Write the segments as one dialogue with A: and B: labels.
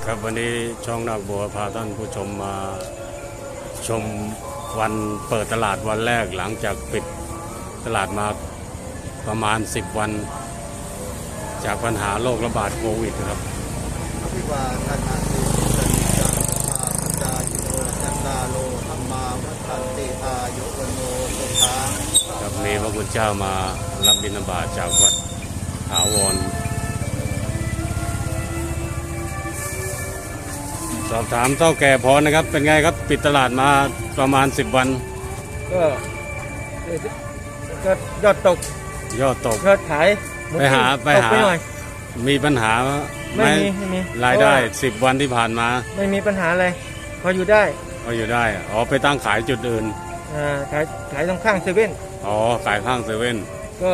A: ครับวันนี้ช่องนาคบัวพาท่านผู้ชมมาชมวันเปิดตลาดวันแรกหลังจากปิดตลาดมาประมาณ10 วันจากปัญหาโรคระบาดโควิดครับ
B: วิวาทนาติสันจังอาปัญญาโยจัตตาโลธรรมาวัฏันติอายุวโนสุขัง
A: ครับมีพระคุณเจ้ามารับบิณฑบาตจากวัดถาวรสอบถามเท่าแก่พรนะครับเป็นไงครับปิดตลาดมาประมาณ10 วัน
B: ก็ยอดตก
A: ยอดตก
B: ยอดขาย
A: ไปหามีปัญหา
B: ไม่มี
A: รายได้10 วันที่ผ่านมา
B: ไม่มีปัญหาอะไรพออยู่ได้
A: อ๋อไปตั้งขายจุดอื่น
B: ขายตรงข้างเซเว่น
A: อ๋อขายข้างเซเว่น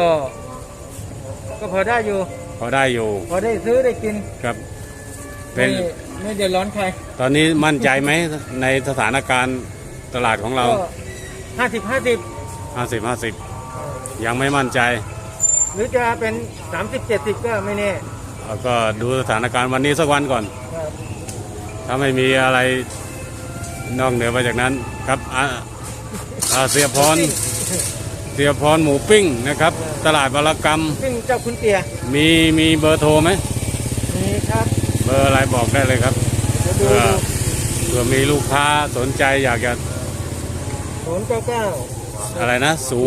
B: ก็พอได้อยู่
A: พอได้
B: ซื้อได้กิน
A: ครับเป็น
B: ไม่เดือดร้อนใคร
A: ตอนนี้มั่นใจไหมในสถานการณ์ตลาดของเรา50 ยังไม่มั่นใจ
B: หรือจะเป็น30-70ก็ไม่แน่
A: ก็ดูสถานการณ์วันนี้สักวันก่อนถ้าไม่มีอะไรนอกเหนือไปจากนั้นครับเสียพรหมูปิ้งนะครับตลาดวรกรรม
B: ปิ้งเจ้าคุณเตีย
A: มีเบอร์โทรไหม
B: มีครับ
A: เบอร์อะไรบอกได้เลยครับเผื่อมีลูกค้าสนใจอยากจะ
B: 099
A: อะไรนะ099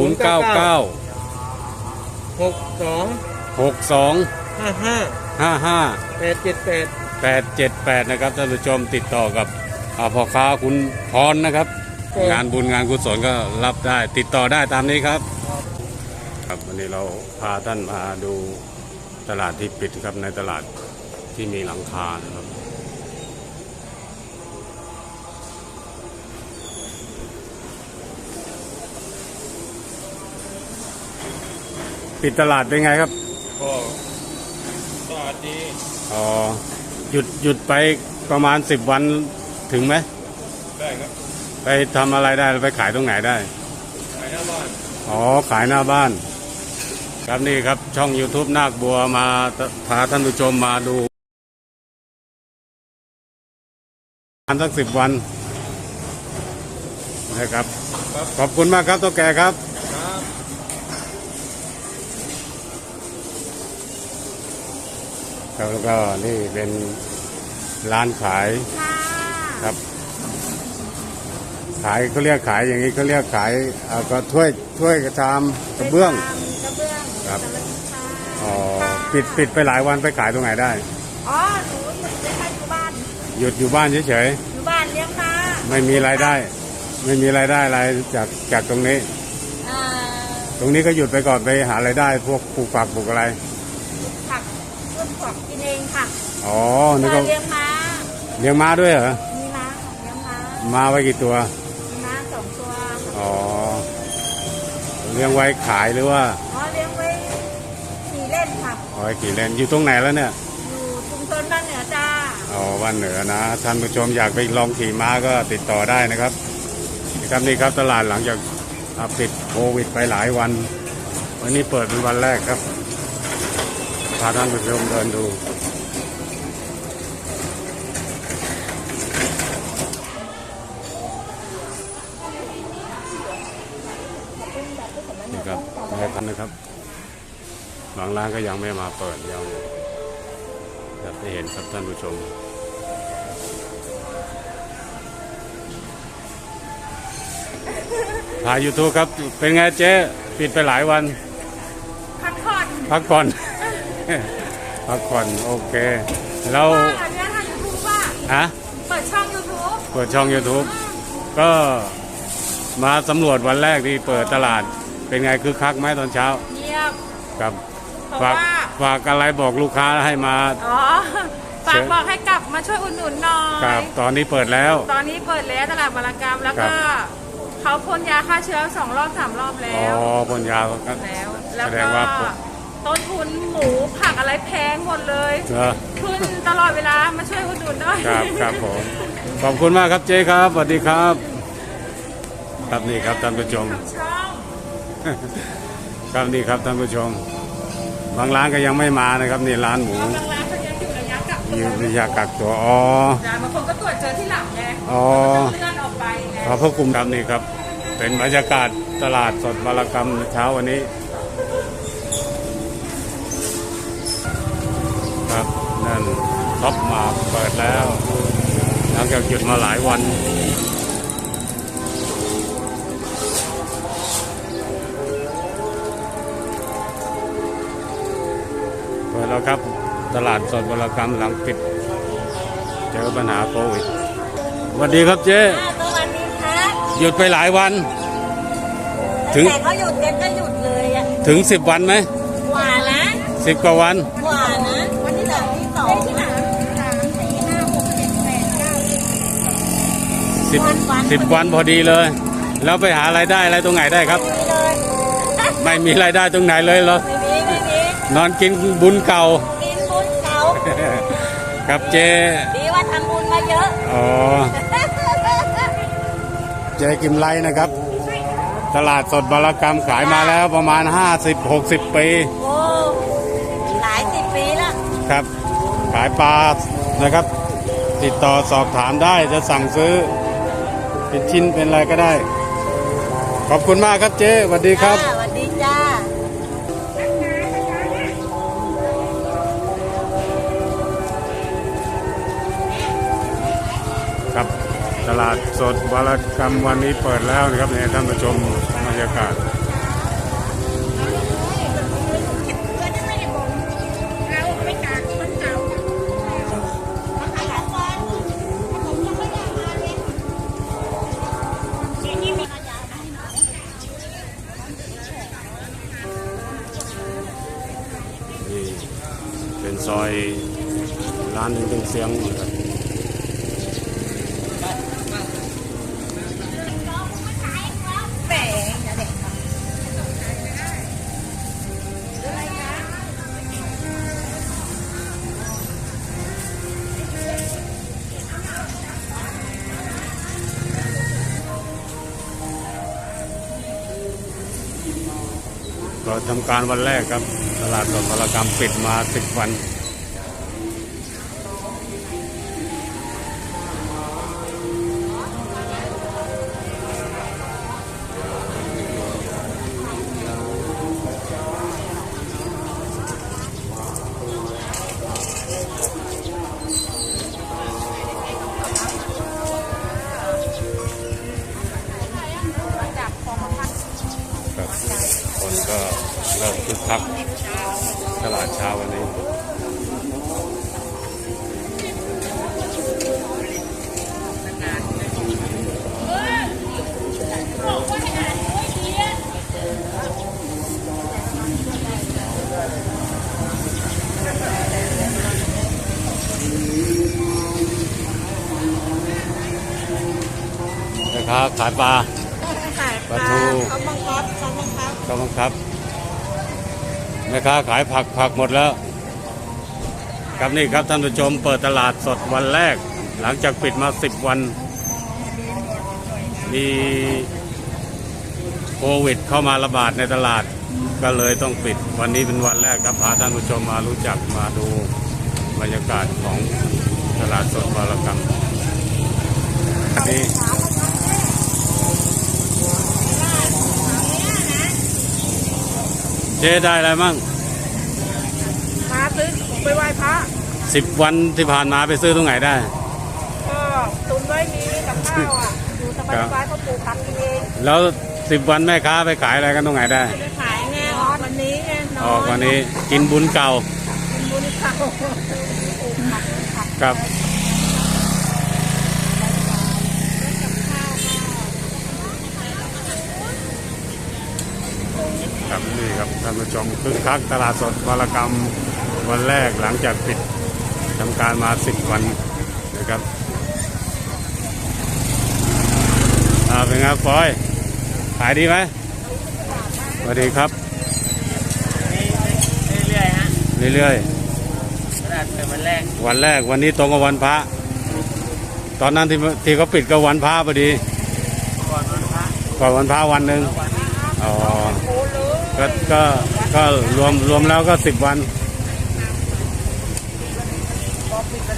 A: 62 55 878นะครับท่านผู้ชมติดต่อกับพ่อค้าคุณพรนะครับงานบุญงานกุศลก็รับได้ติดต่อได้ตามนี้ครับครับวันนี้เราพาท่านมาดูตลาดที่ปิดครับในตลาดที่มีหลังคานะครับปิดตลาดเป็นไงครับ
B: ก็ตลาดดี
A: อ๋อหยุดไปประมาณ10 วันถึงไหม
B: ได้ครับ
A: ไปทำอะไรได้ไปขายตรงไหนได้
B: ขายหน้าบ้าน
A: อ๋อขายหน้าบ้านครับนี่ครับช่อง YouTube นาคบัวมาพาท่านผู้ชมมาดูสัก10 วันนะครับขอบคุณมากครับตัวแก่ครับแล้วก็นี่เป็นร้านขายครับขายเขาเรียกขายอย่างนี้เขาเรียกขายก็ถ้วยกระชามกระเบื้องครับอ๋อปิดไปหลายวันไปขายตรงไหนได้
C: อ๋อหนูหยุดไม่ค่อยอยู่บ้าน
A: หยุดอยู่บ้านเฉย
C: ๆอยู่บ้านเลี้ยงม้า
A: ไม่มีรายได้อะไรจากตรงนี้ตรงนี้ก็หยุดไปก่อนไปหารายได้พวกปลูกผักปลูกอะไร
C: ผักต้นผักกินเองค่ะ
A: อ๋อนี่ก็
C: เลี้ยง
A: ม้าด้วยเหรอ
C: มีม้าเลี้ยงม้า
A: ไว้กี่ตัว
C: มีม้า2 ตัว
A: อ๋อเลี้ยงไว้ขายหรือว่า
C: อ๋อเลี้ยงไว้ขี่เล่นค่ะ
A: ไว้ขี่เล่นอยู่ตรงไหนแล้วเนี่ย
C: อยู่ชุมชนบ้านเหนือจ้า
A: อ๋อบ้านเหนือนะท่านผู้ชมอยากไปลองขี่ม้าก็ติดต่อได้นะครับนี่ครับตลาดหลังจากปิดโควิดไปหลายวันวันนี้เปิดเป็นวันแรกครับพาท่านผู้ชมเดินดูนี่ครับให้ท่านนะครับบางร้านก็ยังไม่มาเปิดยังได้เห็นครับท่านผู้ชมถ่าย YouTube ครับเป็นไงเจ๊ปิดไปหลายวัน
C: พักผ่อน
A: พักผ่อนโอเคแล้ว
C: อันนี้ทาง YouTube ว่าเปิดช่อง
A: YouTube ก็มาสำรวจวันแรกที่เปิดตลาดเป็นไงคึกคักไหมตอนเช้า
C: เงียบ
A: ครับฝากอะไรบอกลูกค้าให้มา
C: ฝากบอกให้กลับมาช่วยอุดหนุนหน่อย
A: ครับตอนนี้เปิดแล้ว
C: ตลาดวรกรรมแล้วก็เขาพ่นยาฆ่าเชื้อ2 รอบ 3 รอบแล้ว
A: อ๋อพ่นยา
C: แล้วก็ต้นทุนหมูผักอะไรแพงหมดเลยขึ้นตลอดเวลามาช่วยอุดหนุนด้วย
A: ครับผมขอบคุณมากครับเจ๊ครับสวัสดีครับครับนี่ครับท่านผู้ชมครับนี่ครับท่านผู้ชมบางร้านก็ยังไม่มานะครับนี่ร้านหมูมียากักตัวอ๋อ
C: จ้ะบางคนก็ตรวจเจอที่หลังไง
A: อ๋อ
C: เลื่อนออกไปไง
A: ขอบพระคุณครับนี่ครับ เป็นบรรยากาศตลาดสดบารกรรมเช้าวันนี้ครับนั่นท็อปมาเปิดแล้วหลังจากหยุดมาหลายวันเปิดแล้วครับตลาดสดบารกรรมหลังปิดเจอปัญหาโควิดสวัสดีครับเจ๊
D: สวัสดีครับ
A: หยุดไปหลายวัน ถึง
D: แต่เขาหยุดกันก็หยุดเลยอ่ะ
A: ถึง10 วันไหม
D: กว่านะ
A: 10 กว่าวัน
D: กว่านะวันที่ที่สองที่
A: 10 วันพอดีเลย แล้วไปหารายได้อะไรตรงไหนได้ครับ
D: เลย
A: ไม่มีรายได้ตรงไหนเลยเหรอ
D: ไม่มี
A: นอนกินบุญเก่า
D: กินบุญเขา
A: ครับเจ
D: ดีว่าทำบุญมาเยอะ
A: อ๋อเจกิมไลนะครับ ตลาดสดบารกรรมขายมาแล้วประมาณ 50-60 ปี
D: โอ้หลายสิบปีแล้ว
A: ครับ ขายปลานะครับ ติดต่อสอบถามได้จะสั่งซื้อเป็นชิ้นเป็นอะไรก็ได้ ขอบคุณมากครับเจ๊สวัสดีครับ
D: สวัสดีจ้า
A: ครับตลาดสดบารกรรมวันนี้เปิดแล้วนะครับเนี่ยท่านผู้ชมบรรยากาศนี่เป็นซอยร้านหนึ่งเป็นเสียงนะครับก็ทำการวันแรกครับ ตลาดสดบารกรรมปิดมา10 วันครับคนก็เริ่มคึกคักตลาดเช้าวันนี้นะครับขายปลา ปลาทู
D: เขาบังคับ
A: ก็บังคับแม่ค้าขายผักหมดแล้วครับนี่ครับท่านผู้ชมเปิดตลาดสดวันแรก หลังจากปิดมา10 วันมีโควิดเข้ามาระบาดในตลาดก็เลยต้องปิดวันนี้เป็นวันแรกครับพาท่านผู้ชมมารู้จักมาดูบรรยากาศของตลาดสดบารกรรมอันนี้เจ๊ได้อะไรมั่ง
C: มาซื้อไปไหว้พระ
A: 10 วันที่ผ่านมาไปซื้อตรงไหนได้
C: ก็ตุนไว้มีกับข้าวอ่ะอยู่สบายๆเขาปลูกผักกินเอง
A: แล้ว10 วันแม่ค้าไปขายอะไรกันตรงไหนได้
C: ไปขายแน่ออนวันนี้ไงน
A: อ๋อ
C: อน
A: วันนี้กินบุญเก่า
C: กินบุญเขาปลูกผัก
A: ครับครับนี่ครับท่านผู้ชมคึกคักตลาดสดบารกรรมวันแรกหลังจากปิดทำการมา10 วันนะครับเป็นไงฟอยขายดีไหมสวัสดีครับ
B: เรื่อยๆฮะ
A: เรื่อย
B: ตลาดเปิดวันแรก
A: ๆวันแรกวันนี้ตรงกับวันพระตอนนั้นที่เขาปิดก็วันพระพอดี
B: ก่อนวันพระ
A: ก่อนวันพระวันหนึ่ง
B: วัน
A: อ๋อก็รวมแล้วก็10 วัน
B: พอปิดต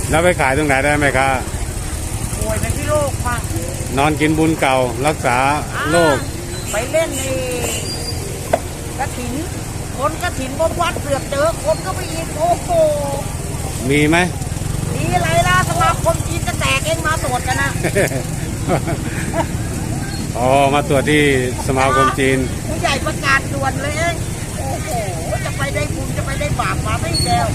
A: แล้วไปขายตรงไหนได้ไหมครับ
D: ป่วยเป็นที่โรคมาก
A: นอนกินบุญเก่ารักษาโรค
D: ไปเล่นในกระถิน คนกระถินบนวัดเสือกเจอคนก็ไปอีกโอ้โห
A: มีไหม
D: ดีอะไรล่ะสมาคมจีนจะแตกเองมาตรวจกันนะ
A: อ๋อมาตรวจที่สมาคมจีน
D: ผู้ใหญ่ประกาศด่วนเลยเองโอ้โหจะไปได้บุญจะไปได้บาปมาไม่แก้ว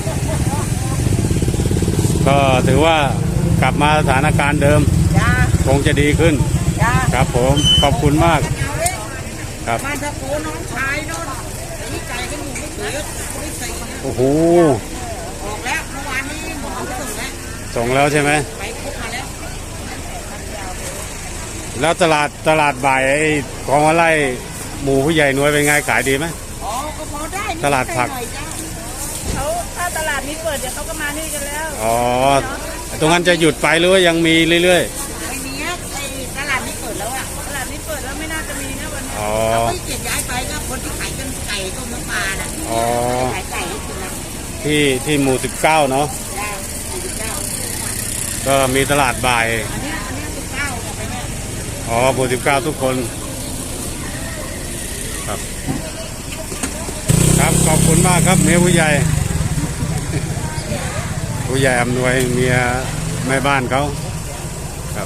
A: ก็ถือว่ากลับมาสถานการณ์เดิม
D: จ้า
A: คงจะดีขึ้น
D: จ้า
A: ครับผมขอบคุณมากครับ
D: มาตะโกนน้องชายโน่นนี่ไก่กันอยู่ไม่ถือไม่ใส่นะ
A: โอ้โห
D: ออกแล้วเมื่อวานนี้หมอไปส่งแล้ว
A: ส่งแล้วใช่ไหม
D: ไปพบมาแล้ว
A: แล้วตลาดบ่ายไอ้ของอะไรหมู่ผู้ใหญ่หน่วยเป็นไงขายดีไหม
D: อ๋อก็พอได้นิ
A: ตลาดผัก
D: หน่อยจ้า
C: เขาถ้าตลาดนี้เปิดเดี๋ยวเขาก็มานี่กันแล้ว
A: อ๋อตรงนั้นจะหยุดไปหรือว่ายังมีเรื่อย
D: ไอ้เนี้ยไอ้ตลาดนี้เปิดแล้วอ่ะ
C: ตลาดนี้เปิดแล้วไม่น่าจะมีนะวันนี้
A: ๆอ๋อ
D: ไม่เกียย้ายไปก็คนที่ขายกันไก่ต้มน้ำปลาน่ะ
A: อ๋อ
D: ขายไก่ให้กินนะ
A: ที่หมู่19เนาะ
D: ได้49
A: ก็มีตลาดบ่าย
D: อันเนี้ย19กับไปเนี่ย
A: อ๋อหมู่19ทุกคนครับครับขอบคุณมากครับเมียผู้ใหญ่ ผู้ใหญ่อำนวยเมียแม่บ้านเขาครับ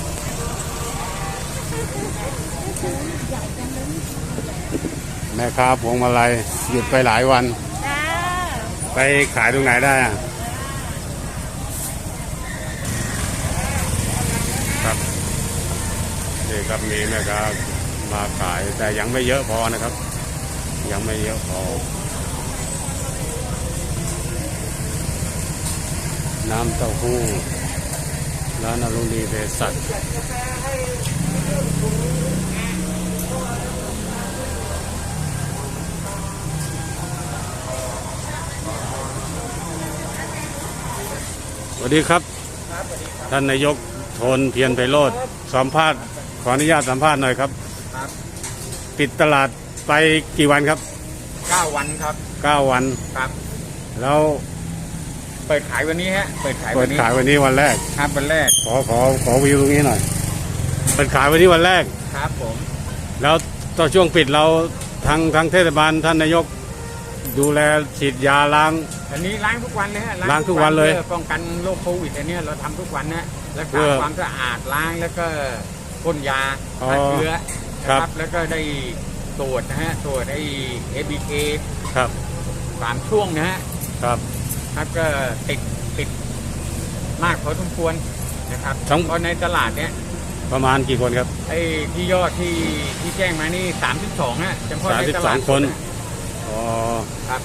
A: แม่ค้าพวงมาลัยหยุดไปหลายวัน
C: จ้า
A: ไปขายตรงไหนได้อะครับนี่ครับมีแม่ค้ามาขายแต่ยังไม่เยอะพอนะครับ ยังไม่เยอะพอ น้ำเต้าหู้ร้านอรุณีเภสัชสวัสดีครับ ท่านนายกโทนเพียรไพโรจน์สัมภาษณ์ขออนุญาตสัมภาษณ์หน่อยครับ
B: ครับ
A: ปิดตลาดไปกี่วันครับ
B: 9 วันครับ
A: 9 วัน
B: ครับ
A: แล้ว
B: เปิดขายวันนี้ฮะเปิดขาย
A: เปิ
B: วั
A: ด
B: นนี้
A: ขายวันนี้วันแรก
B: ครับวันแรก
A: ขอวิวตรงนี้หน่อย เปิดขายวันนี้วันแรก
B: ครับผม
A: แล้วตอนช่วงปิดเราทางเทศบาลท่านนายกดูแลฉีดยาล้าง
B: อันนี้ล้างทุกวันเลยฮะ
A: ล้างทุกวันเลย
B: พื่อป้องกันโรคโควิดอันเนี้ยเราทำทุกวันนะรัก
A: เพื่
B: ษา
A: อ
B: ความสะอาดล้างแล้วก็พ่นยา
A: อ๋อ
B: ฆ่าเชื้อนะค
A: ครั
B: รับ บแล้วก็ได้ตรวจนะฮะตรวจไอ้ ABK
A: ครับ
B: 3 ช่วงนะฮะ
A: ครับ
B: ครับก็ติดมากพอสมควรนะครับ
A: ทั้ง
B: เพราะในตลาดเนี้ย
A: ประมาณกี่คนครับ
B: ไอ้ที่ยอดที่แจ้งมานี่32ฮะเฉพาะในตลาด
A: 32 คน อ๋อ
B: ครับ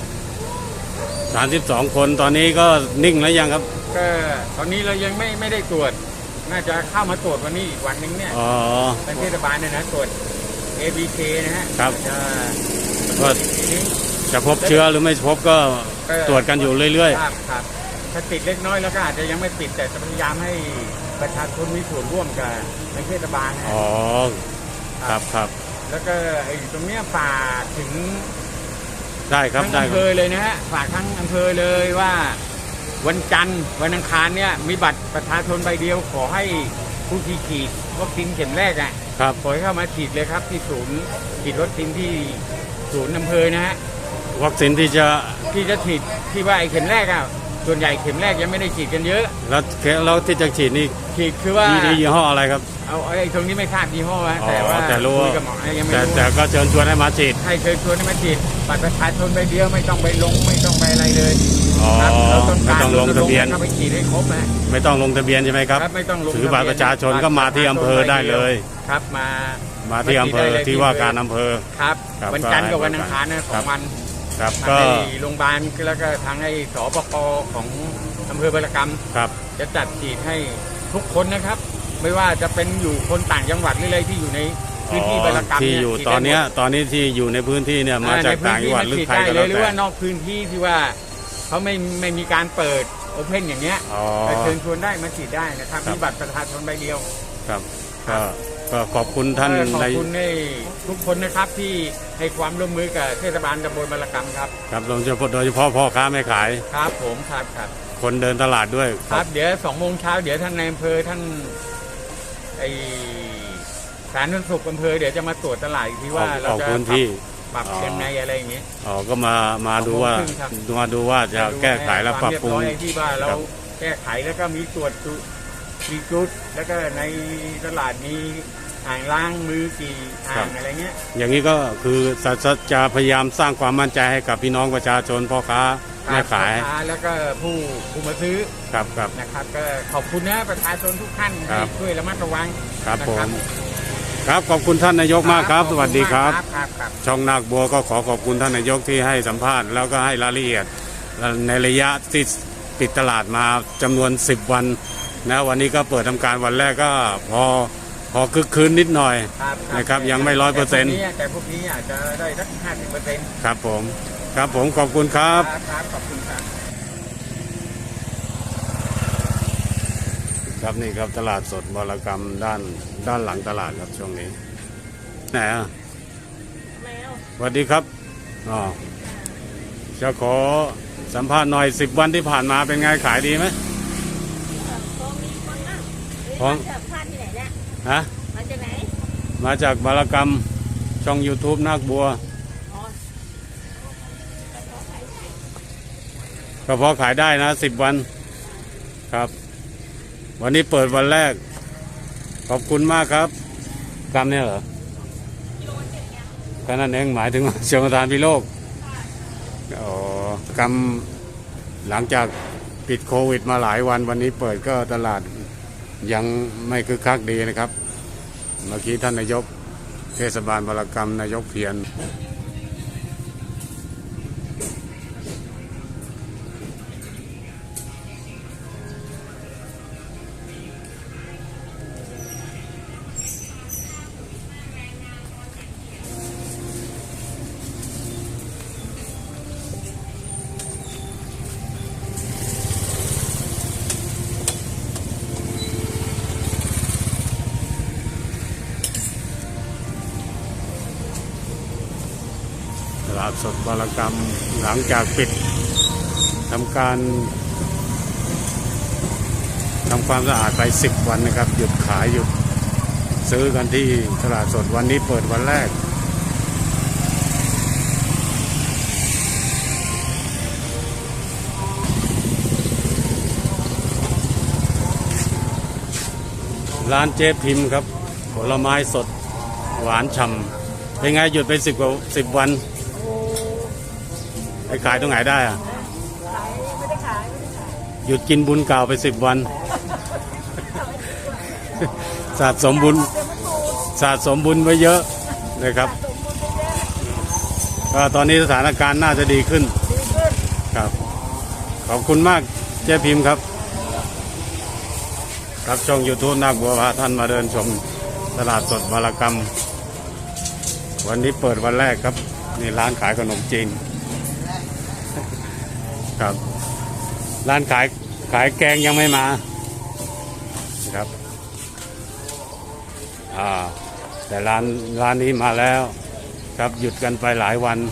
A: 32 คนตอนนี้ก็นิ่งแล้วยังครับ
B: ก็ตอนนี้เรายังไม่ได้ตรวจ น่าจะเข้ามาตรวจวันนี้อีกวันหนึงเนี่ย
A: อ๋อ
B: เป็นเทศบาลเนี่ยนะตรวจ ABK นะฮะ
A: ครับ
B: จะ
A: ก็
B: ทีนี้
A: จะพบเชื้อหรือไม่พบก็ตรวจกันอยู่เรื่อย
B: ครับครับถ้าติดเล็กน้อยแล้วก็อาจจะยังไม่ติดแต่จะพยายามให้ประชาชนมีส่วนร่วมกับในเทศบาลนะ
A: ๆ
B: ฮะ
A: อ๋อ ครับครับ
B: แล้วก็ไอ้ตรงเนี้ยฝากถึง
A: ได้ครับ
B: ทั้ง
A: ได้
B: อำ
A: ค
B: เภ
A: รับ
B: อเลยนะฮะฝากทั้งอำเภอเลยว่าวันจันทร์วันอังคารเนี่ยมีบัตรประชาชนใบเดียวขอให้ผู้ที่ฉีดวัคซีนเข็มแรกอ่ะ
A: ครับ
B: ขอให้เข้ามาฉีดเลยครับที่ศูนย์ฉีดวัคซีนที่ศูนย์อำเภอนะฮะ
A: วัคซีนที่จะ
B: ที่จะฉีดที่ว่าไอ้เข็มแรกอ่ะส่วนใหญ่เข็มแรกยังไม่ได้ฉีดกันเยอะ
A: แล้วที่จะฉีดนี่
B: ฉีดคือว่า
A: ยี่ห้ออะไรครับ
B: เอาไอ้ตรงนี้ไม่ทราบยี่ห้อนะ
A: อ๋อ
B: แต่ว่า
A: แต่รู้
B: คุยกับหมอยังไม่
A: แต่
B: รู้
A: แต่ก็เชิญชวนให้มาฉีด
B: ให้เชิญชวนให้มาฉีดบัตรประชาชนใบเดียวไม่ต้องไปลงไม่ต้องไปอะไรเลย
A: อ๋อ
B: ครับเราต้อง
A: ไม่
B: การ
A: ต้องลงทะเบียน
B: เข้าไปฉีดให้ครบนะ
A: ไม่ต้องลงทะเบียนใช่ไหมครับ
B: ไม่ต้องลง
A: ถือบัตรประชาชนก็มาที่อำเภอได้เลย
B: ครับมา
A: มาที่อำเภอที่ว่าการอำเภอ
B: ครับ
A: ครับ
B: วันจันทร์กับ
A: ก็ให้
B: วันอังคารนะ
A: ค
B: ส
A: รั
B: อบ งวัน
A: ครับ
B: ทาง
A: ก็
B: ไอ้โรงพยาบาลแล้วก็ทางไอ้สปกของอำเภอบารกรรม
A: ครับ
B: จะจัดฉีดให้ทุกคนนะครับ ไม่ว่าจะเป็นอยู่คนต่างจังหวัดหรืออะไรที่อยู่ในพื้นที่บารกรรม
A: ที่
B: เนี่ย
A: อยู่
B: ฉีด
A: ต
B: ได้
A: อนเนี้ย
B: หมด
A: ตอนนี้ที่อยู่ในพื้นที่เนี่ยมาจากต่างจังหวัดหรือใครก็
B: เล
A: แล้
B: ยว หรือ
A: แต่
B: ว่านอกพื้นที่ที่ว่าเขาไม่มีการเปิดโอเพนอย่างเงี้ย
A: อ๋อ
B: ไปเชิญชวนได้มาฉีดได้นะครับ
A: ครับ
B: มีบัตรประชาชนใบเดียว
A: ครับก็ขอบคุณท่าน
B: ขอบ
A: ใน
B: คุณให้ทุกคนนะครับที่ให้ความร่วมมือกับเทศบาลตำบลบารกรรมครับ
A: ครับโดยเฉพาะพ่อค้าแม่ขาย
B: ครับผมครับครับ
A: คนเดินตลาดด้วย
E: ครับเดี๋ยว2 โมงเช้าเดี๋ยวท่านนายอำเภอท่านไอสาธารณสุขอำเภอเดี๋ยวจะมาตรวจตลาดอีกทีว่าเรา
A: ออก
E: จะ
A: พื้นที่
E: ปรับยังไงอะไรอย่างเงี้ย
A: อ๋อก็มาดูว่า
E: 2 โมงครึ่งครับ
A: มาดูว่าจะแก้ไขและปรับปรุง
E: ความเยบร้อยที่ว่าเรา
A: ครับ
E: แก้ไขแล้วก็มีตรวจมีจุดแล้วก็ในตลาดมีอ่างล้างมือกี่อ่างอะไรเงี้ย
A: อย่างนี้ก็คือจะพยายามสร้างความมั่นใจให้กับพี่น้องประชาชนพ่อค้าแม่ขาย
E: พ่อค้แล้วก็ผู้มาซื้อ
A: ครับครับ
E: นะครับก็ขอบคุณนะประชาชนทุกท่าน
A: ครั
E: ที่
A: บ
E: ช่วยระมัดระวัง
A: ครับ
E: นะ
A: ผม ครับขอบคุณท่านนายกมากครับ สวัสดีครับ
E: ครับ
A: ช่องนาคบัวก็ขอบคุณท่านนายกที่ให้สัมภาษณ์แล้วก็ให้รายละเอียดในระยะที่ปิดตลาดมาจำนวน10 วันนะวันนี้ก็เปิดทำการวันแรกก็พอคึกคืนนิดหน่อย นะครับยังไม่100%
E: แต่พวกนี้อาจจะได้สัก50%
A: ครับผมครับผมขอบคุณครับ
E: ครับขอบคุณครับ
A: ครับนี่ครับตลาดสดบรกรรมด้านหลังตลาดครับช่วงนี้ไหนอ่ะสวัสดีครับอ๋อจะขอสัมภาษณ์หน่อย10 วันที่ผ่านมาเป็นไงขายดีไหม
D: พองจากพันที่ไหนเนี่ย
A: ฮะ
D: มาจากไหน
A: มาจากบรกรรมช่อง YouTube นาคบัวก็พอขายได้นะ10 วันครับ วันนี้เปิดวันแรกขอบคุณมากครับกรรมเนี่ยเหรอก็นั่นเองหมายถึงเชียงประธานพิโลกอ๋อกรรมหลังจากปิดโควิดมาหลายวันนี้เปิดก็ตลาดยังไม่คึกคักดีนะครับเมื่อกี้ท่านนายกเทศบาลบรกรรมนายกเพียรตลาดสดบรกรรมหลังจากปิดทำความสะอาดไป10 วันนะครับหยุดขายหยุดซื้อกันที่ตลาดสดวันนี้เปิดวันแรกร้านเจ๊พิมพ์ครับผลไม้สดหวานฉ่ำเป็นไงหยุดไป10 วันไปขายตรงไหนได้อะ
D: ขายไม่ได้ขาย
A: หยุดกินบุญเก่าไป10 วัน สะสมบุญไว้เยอะนะครับก็ตอนนี้สถานการณ์น่าจะดีขึ้นครับขอบคุณมากเจ๊พิมพ์ครับครับช่อง YouTube นาคบัวพาท่านมาเดินชมตลาดสดบรกรรมวันนี้เปิดวันแรกครับนี่ร้านขายขนมจีนครับร้านขายแกงยังไม่มาครับแต่ร้านนี้มาแล้วครับหยุดกันไปหลายวัน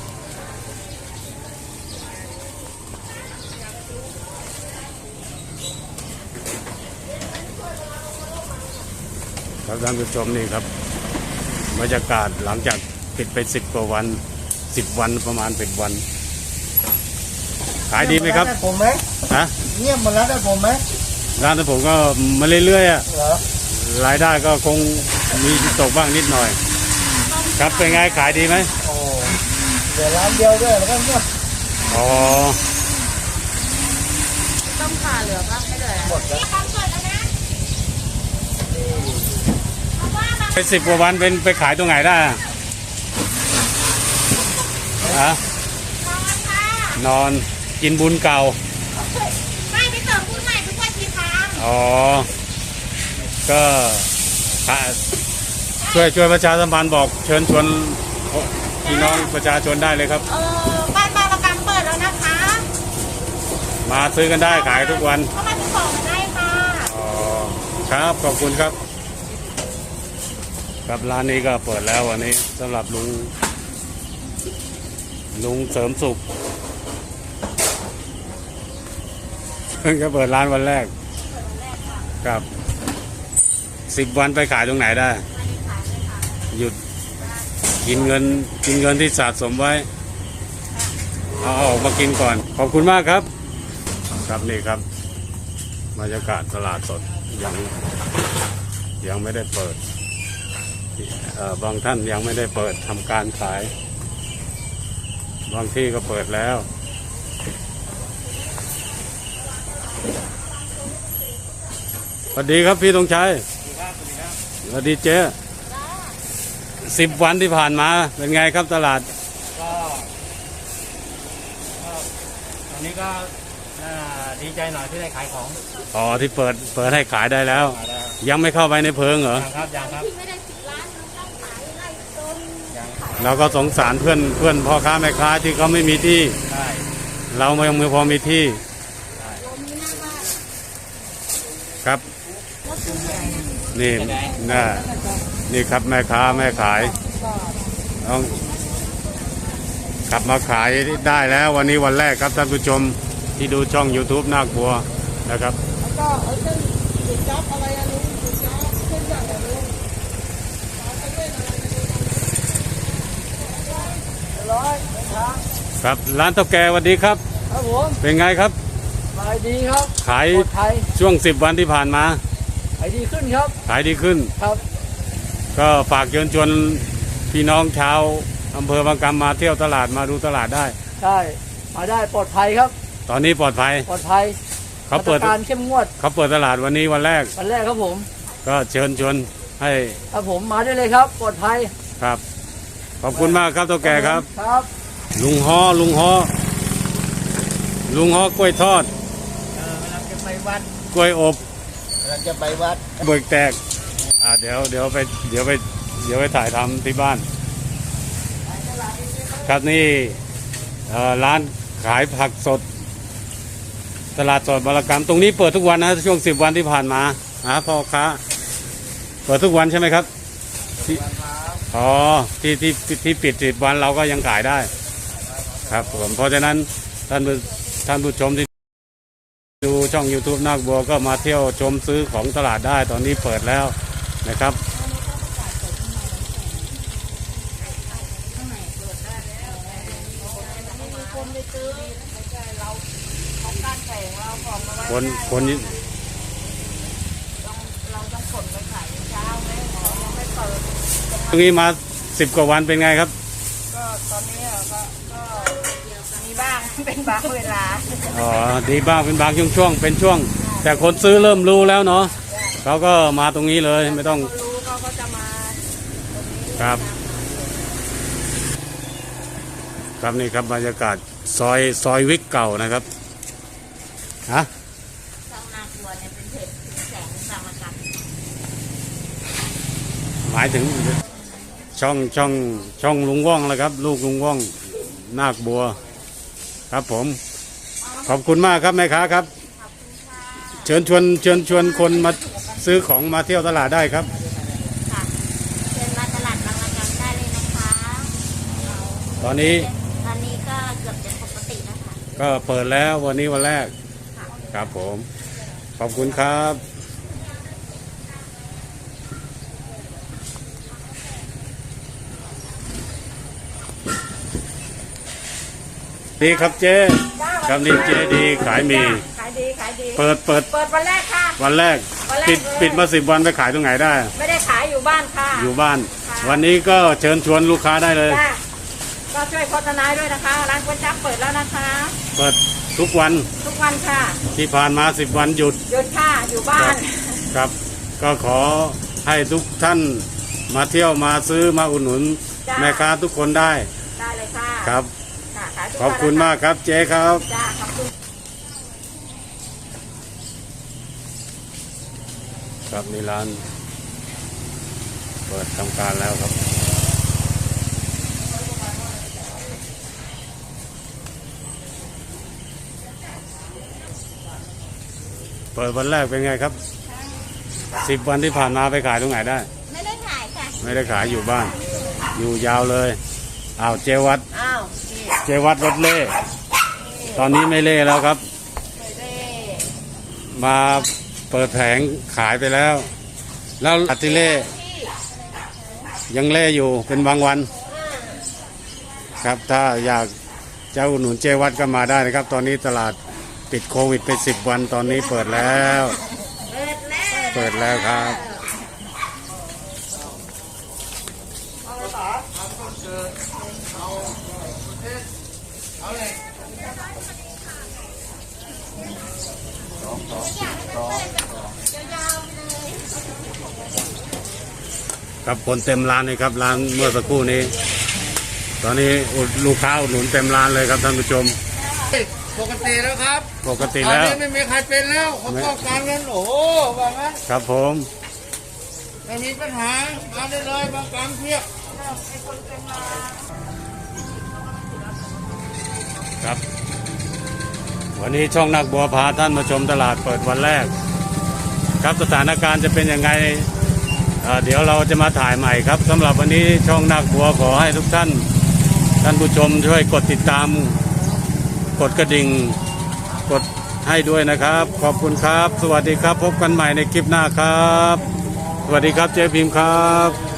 A: ครับท่านผู้ชมนี่ครับบรรยากาศหลังจากปิดไป10 กว่าวัน10 วันประมาณ10 วันขายดีไหมครับ
B: ได้ผมไหม
A: ฮะ
B: เงียบหมดแล้วได้ผมไหม
A: ร้านผมก็มาเรื่อยๆอะ
B: เหรอ
A: รายได้ก็คงมีตกบ้างนิดหน่อย ครับเป็นไงขายดีไหม
B: โอ้เดี๋ยวร้านเดียวด้วยแล้วก็เงียบ
A: อ๋อ
C: ต้องผ่าเหลือปะไม่เหลือ
B: หมดแล้ว
A: ไป10 กว่าวันไปขายตรงไหนได้อะฮะนอนกินบุญเก่า
D: ไม่ไปเติมบุญใหม่ทุกวันทีครั้ง
A: อ๋อ ก็ช่วยประชาสัมพันธ์บอกเชิญชวนพี่น้องประชาชนได้เลยครับ
D: บ้านบางระกำเปิดแล้วนะคะ
A: มาซื้อกันได้ขายทุกวัน
D: เข้ามาซื้อของกันได้ค่ะ
A: อ๋อครับขอบคุณครับครับร้านนี้ก็เปิดแล้ววันนี้สำหรับลุงเสริมสุขเพิ่งจะเปิดร้านวันแรกครับ10 วันไปขายตรงไหนได้ หยุดกินเงินที่สะสมไว้เอาออกมากินก่อนขอบคุณมากครับครับนี่ครับบรรยากาศตลาดสดยังไม่ได้เปิดบางท่านยังไม่ได้เปิดทำการขายบางที่ก็เปิดแล้วสวัสดีครับพี่ธงชัยสวัสดีเจ๊10 วันที่ผ่านมาเป็นไงครับตลาด
E: ก็ตอนนี้ก็ดีใจหน่อยที่ได้ขายของ
A: อ๋อที่เปิดให้ขายได้แล้ว ยังไม่เข้าไปในเพิงเหรอ
E: ยังครับยังครับ
D: ไม่ได้10 ล้านมันต้องขายไล่ต้น
E: ยัง
A: เราก็สงสารเพื่อนพ่อค้าแม่ค้าที่เขาไม่มีที่
E: ใช่
A: เรายังไม่พอมีที่
D: ลมมีหน้าบ้าน
A: ครับนี่น่ะนี่ครับแม่ค้าแม่ขายต้องกลับมาขายได้แล้ววันนี้วันแรกครับท่านผู้ชมที่ดูช่อง YouTube นาคบัวนะครับ
D: แล้วก็เส้นจุดจับอะไรอะลุงจุดจับเส้นอย่างอะไรลุงร้อยนะครับ
A: ครับร้านเท่าแก่สวัสดีครับ
D: ครับผม
A: เป็นไงครับ
D: ขายดีครับ
A: ขาย
D: ปลอดภัย
A: ช่วง10 วันที่ผ่านมา
D: ขายดีขึ้นครับ
A: ขายดีขึ้น
D: ครับ
A: ก็ฝากเชิญชวนพี่น้องชาวอำเภอบางกำมาเที่ยวตลาดมาดูตลาดได้
D: ใช่มาได้ปลอดภัยครับ
A: ตอนนี้ปลอดภัย
D: ปลอดภัย
A: เขาเปิด
D: มาตรการเข้มงวด
A: ตลาดวันนี้วันแรก
D: วันแรกครับผม
A: ก็เชิญชวนให้
D: ครับผมมาได้เลยครับ ปลอดภัย
A: ครับ ขอบคุณมากครับเท่าแก่ครับ
D: ครับ
A: ลุงฮอกล้วยทอด
B: กำลังจะไปวัด
A: กล้วยอบ
B: กำลังจะไปวัด
A: เบิกแตกเดี๋ยวไปถ่ายทำที่บ้าน ครับนี่ร้านขายผักสด ตลาดสดบารกรรมตรงนี้เปิดทุกวันนะช่วง10 วันที่ผ่านมาพ่อค้าเปิดทุกวันใช่ไหมครับอ๋อที่ปิด10 วันเราก็ยังขายได้ ครับผมเพราะฉะนั้นท่านผู้ชมที่ดูช่อง YouTube นาคบัวก็มาเที่ยวชมซื้อของตลาดได้ตอนนี้เปิดแล้วนะครับคน
D: เราต้องขนไปขายเช้าไหมเรายังไม่เปิด
A: ตรงนี้มา10 กว่าวันเป็นไงครับ
D: ก็ตอนนี้ก็มีบ้าง เป็นบางเวลา
A: อ๋อดีบ้างเป็นบางช่วงเป็นช่วง แต่คนซื้อเริ่มรู้แล้วเนาะเขาก็มาตรงนี้เลยไม่ต้อง
D: รู้เขาก็จะมาตรงนี้
A: ครับครับนี่ครับบรรยากาศซอยวิกเก่านะครับฮะ
D: ช่องนาคบัวเนี่ยเป็นเพจแสงสามกัน
A: หมายถึงช่องลุงว่องแล้วครับ ลูกลุงว่องนาคบัวครับผมขอบคุณมากครับแม่ค้าครับเชิญชวนคนมาซื้อของมาเที่ยวตลาดได้ครับ
D: ค่ะเชิญมาตลาดบางระกำได้เลยนะคะ
A: ตอนนี้
D: ตอนนี้ก็เกือบจะปกติแล้วค่ะ
A: ก็เปิดแล้ววันนี้วันแรกครับผมขอบคุณครับดีครับเจ๊ครับนี่เจ๊ดีขายหมี
C: ขายดีขายดี
A: เปิด
C: เปิดวันแรกค่ะ
A: วันแรก
C: วันแรก
A: ปิดมา10 วันไปขายตรงไหนได้
C: ไม่ได้ขายอยู่บ้านค่ะ
A: อยู่บ้าน
C: ค่ะ
A: วันนี้ก็เชิญชวนลูกค้าได้เลย
C: จ้ะก็ช่วยโฆษณาด้วยนะคะ ร้านก๋วยจั๊บเปิดแล้วนะคะ
A: เปิดทุกวัน
C: ทุกวันค่ะ
A: ที่ผ่านมา10 วันหยุด
C: หยุดค่ะอยู่บ้าน
A: ครับ ก็ขอให้ทุกท่านมาเที่ยวมาซื้อมาอุดหนุน
C: จ้ะ
A: แม่ค้าทุกคนได้
C: ได้เลยค่ะ
A: ครับ
C: ค่ะขายทุก
A: ขอบคุณ
C: วัน
A: มากครับเจ๊ครับ
C: จ้าขอบคุณ
A: ครับนี่ร้านเปิดทำการแล้วครับ เปิดวันแรกเป็นไงครับ10 วันที่ผ่านมาไปขายตรงไหนได้
D: ไม่ได้ขายค่ะ
A: ไม่ได้ขายอยู่บ้าน อยู่ยาวเลยอ้าวเจวัด
D: อ้าวนี่
A: เจวัดรถเล่ตอนนี้ไม่เล่แล้วครับ
D: เร่
A: มาเปิดแผงขายไปแล้ว แล้วอัติเล่ยังเล่อยู่เป็นบางวันครับถ้าอยากจะอุดหนุนเจวัดก็มาได้นะครับ ตอนนี้ตลาดปิดโควิดไป10 วันตอนนี้เปิดแล้วครับ ครับคนเต็มร้านเลยครับร้านเมื่อสักครู่นี้ ตอนนี้ลูกค้าอุดหนุนเต็มร้านเลยครับท่านผู้ชม
B: ปกติแล้วครับ
A: ปกติ
B: ตอน
A: แล้ว
B: นี้ไม่มีใครเป็นแล้วเขาป้องกันกันโอ้โหว่างั้น
A: ครับผม
B: ไม่มีปัญหามาได้เลยบางกลางเพียบ
A: ครับ วันนี้ช่องนักบัวพาท่านมาชมตลาดเปิดวันแรก ครับสถานการณ์จะเป็นยังไงเดี๋ยวเราจะมาถ่ายใหม่ครับสำหรับวันนี้ช่องนักบัวขอให้ทุกท่านผู้ชมช่วยกดติดตามกดกระดิ่งกดให้ด้วยนะครับ ขอบคุณครับ สวัสดีครับ พบกันใหม่ในคลิปหน้าครับ สวัสดีครับเจ๊พิมพ์ครับ